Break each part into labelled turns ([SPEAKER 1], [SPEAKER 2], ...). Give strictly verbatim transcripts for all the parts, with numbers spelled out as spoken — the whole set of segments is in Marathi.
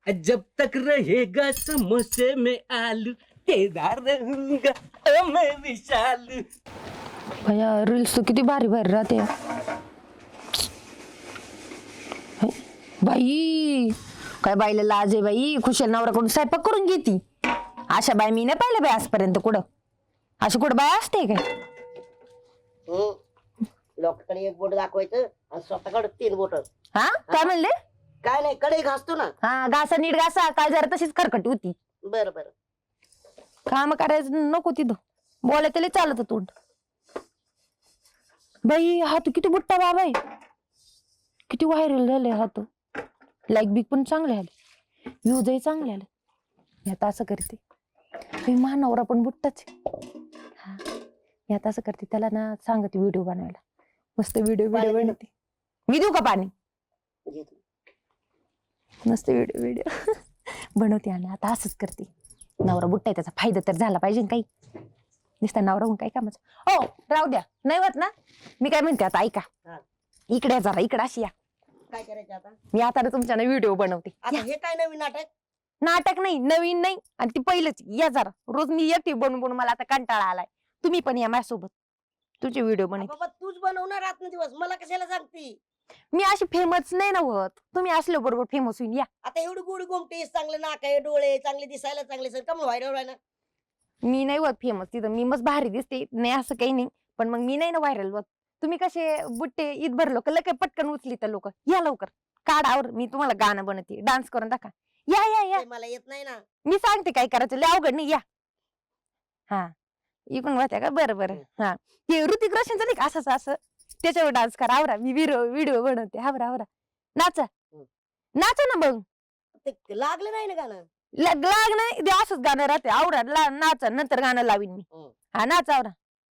[SPEAKER 1] जब तक रहेगा समोसे में आलू तेरा रहूंगा ओ मैं विशाल।
[SPEAKER 2] भैया रील्स तो किती भारी भारी राहते बाई. काय बाईला लाज आहे बाई. खुशाल नवऱ्याकडून स्वयंपाक करून घेती. अशा बाई मी नाही पाहिलं बाई आजपर्यंत कुठं. अशी कुठं बाय असते काय?
[SPEAKER 3] लोकांकडे एक बोट दाखवायचं आणि स्वतःकडे तीन बोट.
[SPEAKER 2] हा काय म्हणले?
[SPEAKER 3] काय नाही, कडे घासतो ना.
[SPEAKER 2] हा घासा नीट घासा. काय जरा तशीच खरकटी होती.
[SPEAKER 3] बरं बरं.
[SPEAKER 2] काम करायचं नको तिथं. बोलाय त्याला चालत तोंड. बाई हा तू किती बुट्टा बाबा आहे. किती व्हायरल झाले हा तो. लाईक बिक पण चांगले आले. व्ह्यूजही चांगले आले. मी आता असं करते. मी महानवरा पण बुट्टाच हा. मी आता असं करते त्याला ना सांगते व्हिडिओ बनवायला. मस्त व्हिडिओ व्हिडिओ बनवते. मी देऊ का पाणी? मस्त व्हिडिओ व्हिडिओ बनवते. आणि आता असंच करते. नवरा बुट्टा आहे त्याचा फायदा तर झाला पाहिजे काही. नुसता नवरा होऊन काय कामाचं. हो राहू द्या. नाही होत ना. मी काय म्हणते आता ऐका. इकडे जरा इकडे अशी या.
[SPEAKER 3] काय करायचं आता?
[SPEAKER 2] मी आता ना तुमच्या व्हिडिओ बनवते.
[SPEAKER 3] आता हे काय नवीन नाटक?
[SPEAKER 2] नाटक नाही नवीन नाही. आणि ती पहिलंच या जरा. रोज मी एकटी बनवून बनवून मला आता कंटाळा आलाय. तुम्ही पण या माझ्यासोबत. तुझे व्हिडिओ बनवते.
[SPEAKER 3] बाबा तूच बनवणार रात्र दिवस, मला कशाला सांगती?
[SPEAKER 2] मी अशी फेमस नाही ना होत. तुम्ही असल्या बरोबर फेमस होईल या.
[SPEAKER 3] आता एवढी गोडी गोमटी, चांगले नाक आहे, डोळे चांगले, दिसायला चांगले, सर का मग व्हायरल व्हायला?
[SPEAKER 2] मी नाही होत फेमस तिथं. मी मस्त भारी दिसते नाही असं काही नाही. पण मग मी नाही ना व्हायरल होत. तुम्ही कसे बुट्टे ईदभर लोक लगे पटकन उचली तर लोक. या लवकर काढावर. मी तुम्हाला गाणं बनवते. डान्स करून दाखवा. या या या.
[SPEAKER 3] मला येत नाही ना.
[SPEAKER 2] मी सांगते काय करायचं. लय अवघड नाही या. हा इकडून होत्या का? बरं बरं. हा ते ऋतिक रोशनचं नाही का असंच असं त्याच्यावर डान्स करा. आवरा मी व्हिडिओ व्हिडिओ बनवते. आवरा आवरा. नाचा नाचा ना मग.
[SPEAKER 3] ते लागलं नाही ना गाणं.
[SPEAKER 2] लग लाग नाही ते असंच गाणं राहते. आवरा ला नाचा. नंतर गाणं लावीन मी. हा नाचा आवरा.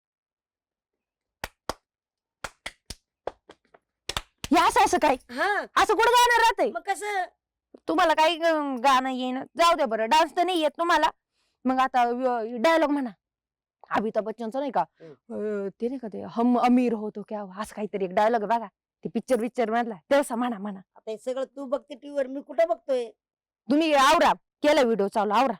[SPEAKER 2] हे असं असं काय
[SPEAKER 3] हा
[SPEAKER 2] असं कुठं गाणं राहतंय?
[SPEAKER 3] मग कसं?
[SPEAKER 2] तुम्हाला काही गाणं येईन जाऊ द्या बरं. डान्स तर नाही येत तुम्हाला. मग आता डायलॉग म्हणा. अमिताभ बच्चनचं नाही का अं, ते नाही का ते हम अमीर होतो क्या असं काहीतरी एक डायलॉग बघा. ते पिक्चर पिक्चर मधला तेव्हा म्हणा म्हणा.
[SPEAKER 3] आता हे सगळं तू बघते टीव्हीवर, मी कुठं बघतोय?
[SPEAKER 2] तुम्ही आवरा. केला व्हिडिओ चालू आवरा.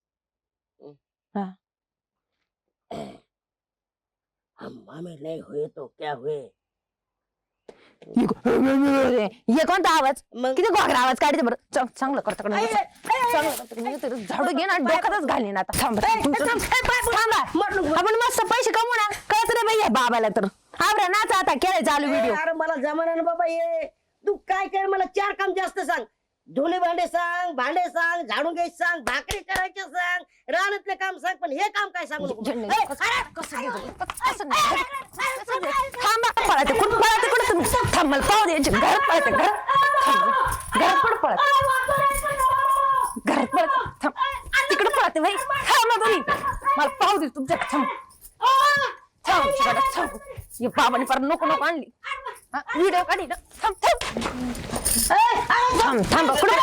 [SPEAKER 3] हम हमें नहीं हुए तो क्या हुए?
[SPEAKER 2] हे कोणता आवाज?
[SPEAKER 3] मग
[SPEAKER 2] किती घोगरा आवाज काढते बरं. च- चांगलं करता कडे झाडू घे ना डोक्यातच घालीन आता. थांब थांबा. आपण मस्त पैसे कमवू ना. कळत रे बाई बाबाला तर. आवरा नाचा आता. केलाय चालू व्हिडिओ.
[SPEAKER 3] अरे मला जमाना ना बाबा. ये तू काय कर, मला चार काम जास्त सांग. धुणे भांडे सांग, भांडे सांग, झाडून घ्यायचं सांग, भाकरी करायचे सांग, रानातले काम सांग, पण हे काम काय सांगू नको.
[SPEAKER 2] थांबा पळायचं कुठं पळायचं कुठं तुम्ही. थांब मला पाहू द्यायचे. घरात पळायचं घरात. घरात कुठं पळायचं घरात पळायचं. थांब तिकडे पळायचं भाई. थांब तुम्ही मला पाहू दे तुमच्या. थांब थांब थांब. हे बाबाने परत नको नको आणली. व्हिडिओ काढी ना. थांब थांब थांब थांब कुठे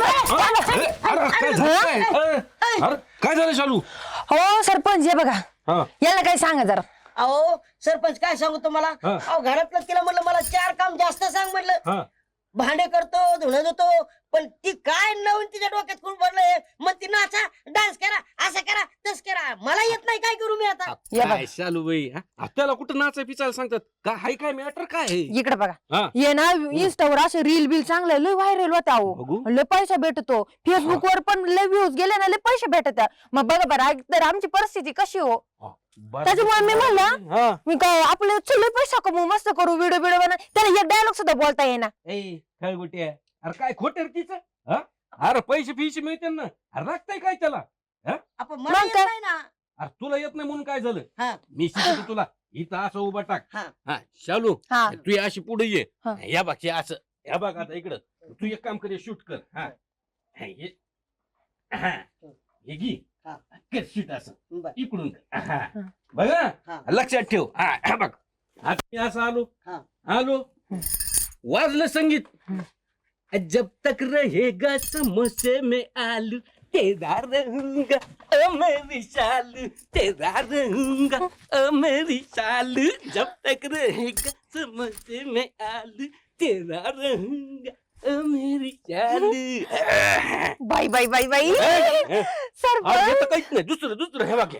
[SPEAKER 1] काय झालं शालू?
[SPEAKER 2] हो सरपंच हे बघा.
[SPEAKER 1] हा
[SPEAKER 2] याला काय सांगा जरा.
[SPEAKER 3] अहो सरपंच काय सांगू तुम्हाला?
[SPEAKER 1] हा.
[SPEAKER 3] अहो घरातलं तिला म्हणलं मला चार काम जास्त सांग म्हटलं.
[SPEAKER 1] हा
[SPEAKER 3] भांडे करतो, धुणं धुतो, पण ती काय नवीन तिच्या डोक्यात कोण भरलंय. मग ती नाचा, डान्स करा, असं करा, तस करा. मला येत नाही, काय करू मी आता?
[SPEAKER 2] या बघा.
[SPEAKER 1] काय शालू बाई हा? त्याला कुठं नाचाय पिचायला सांगतात का? हाय काय मॅटर काय आहे?
[SPEAKER 2] इकडे बघा.
[SPEAKER 1] हा.
[SPEAKER 2] ये ना इंस्टावर असे रील बिल चांगले लय व्हायरल होता. अहो
[SPEAKER 1] बघू.
[SPEAKER 2] लय पैसा भेटतो. फेसबुक वर पण लय व्ह्यूज गेले ना लय पैसे भेटत. मग बघा बरं तर आमची परिस्थिती कशी हो. त्याच्यामुळे मी म्हणलं
[SPEAKER 1] हा
[SPEAKER 2] मी काय आपले लय पैसा कमवू मस्त करू व्हिडिओ व्हिडिओ बनव. त्याला एक डायलॉग सुद्धा बोलता येईना.
[SPEAKER 1] ए काय गोट्या अरे काय खोट तिचं? अरे पैसे फिशे मिळते ना. अरे लागतंय काय त्याला?
[SPEAKER 3] आपण मला येत नाही ना.
[SPEAKER 1] अरे तुला येत नाही म्हणून काय झालं?
[SPEAKER 3] हा.
[SPEAKER 1] मी शिकवतो तुला. इथं असं उभा टाक.
[SPEAKER 3] हा.
[SPEAKER 1] हा शालू
[SPEAKER 2] हा
[SPEAKER 1] तू अशी पुढे ये.
[SPEAKER 2] हा.
[SPEAKER 1] या बघ हे असं. या बघ आता इकडं तू एक काम कर शूट कर. हा हा, हे हा. हे घे
[SPEAKER 3] हा.
[SPEAKER 1] कर शूट असं
[SPEAKER 3] बरं.
[SPEAKER 1] इकडून कर. हा.
[SPEAKER 2] हा.
[SPEAKER 1] बघा
[SPEAKER 3] हा.
[SPEAKER 1] लक्षात ठेव. हा हा बघ आता मी असं आलो.
[SPEAKER 3] हा.
[SPEAKER 1] आलो वाजलं संगीत. जब तक रहेगा समोसे में आलू तेरा रहूंगा ओ मैं विशाल तेरा रहूंगा ओ मैं विशाल जब तक रहेगा समोसे में आलू तेरा रहूंगा ओ मेरी चांद
[SPEAKER 2] बाई बाई बाई बाई
[SPEAKER 1] आज
[SPEAKER 2] सरपंच
[SPEAKER 1] येतं काहीच नाही दुसरं दुसरं हे वाक्य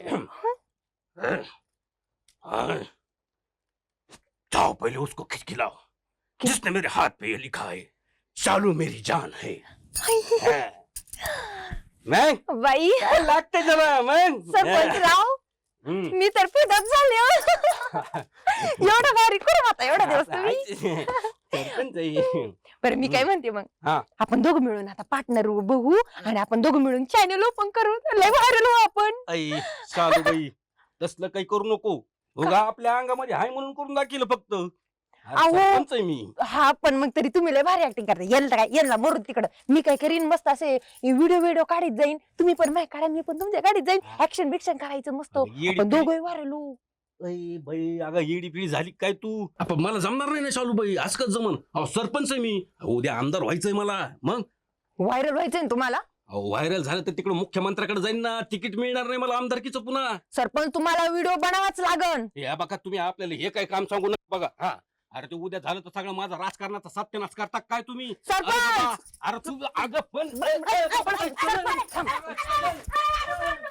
[SPEAKER 1] जाओ पहले उसको खिंच खिलाओ जिसने मेरे हाथ पे ये लिखा है चालू मेरी जान है मैं
[SPEAKER 2] बाई
[SPEAKER 1] काय लागते जरा मग
[SPEAKER 2] सरपंच राव
[SPEAKER 1] हम्म.
[SPEAKER 2] मी तर फिदत झाले हो. एवढं भारी करू आता एवढा दिवस तुम्ही
[SPEAKER 1] सरपंच आहे.
[SPEAKER 2] बरं मी काय म्हणते मग
[SPEAKER 1] हा.
[SPEAKER 2] आपण दोघं मिळून आता पार्टनर बघू आणि आपण दोघं मिळून चॅनल ओपन करू लय व्हायरल हो आपण
[SPEAKER 1] आई चालू बाई तसलं काही करू नको उगा आपल्या अंगामध्ये हाय म्हणून करून दाखिलं फक्त अरे
[SPEAKER 2] अहो.
[SPEAKER 1] सरपंच आहे मी
[SPEAKER 2] हा पण मग तरी तुम्ही लय भारी ऍक्टिंग करता याला काय याला मरून तिकडं मी काय करीन मस्त असे व्हिडिओ व्हिडिओ काढीत जाईन तुम्ही पण माहिती काढा मी पण तुमच्या काढीत जाईन ऍक्शन बिक्शन करायचं मस्त
[SPEAKER 1] अगं येडी
[SPEAKER 2] आपण
[SPEAKER 1] पिडी.
[SPEAKER 2] दोघं व्हायरल होऊ
[SPEAKER 1] अय बाई अगं येडी पिढी झाली काय तू आपण मला जमणार नाही ना शालू बाई आज कच जमन अहो सरपंच आहे मी उद्या आमदार व्हायचंय मला मग
[SPEAKER 2] व्हायरल व्हायचंय ना तुम्हाला
[SPEAKER 1] अहो व्हायरल झालं तर तिकडे मुख्यमंत्र्याकडे जाईन ना तिकीट मिळणार नाही मला आमदारकीचं पुन्हा
[SPEAKER 2] सरपंच तुम्हाला व्हिडिओ बनावाच लागन
[SPEAKER 1] या बघा तुम्ही आपल्याला हे काय काम सांगू नका बघा हा अरे ते उद्या झालं तर सगळं माझा राजकारणाचा सत्यानाश करता काय तुम्ही अरे बाबा,
[SPEAKER 2] सरपंच
[SPEAKER 1] अरे तू अगं पण
[SPEAKER 2] सरपंच, सरपंच.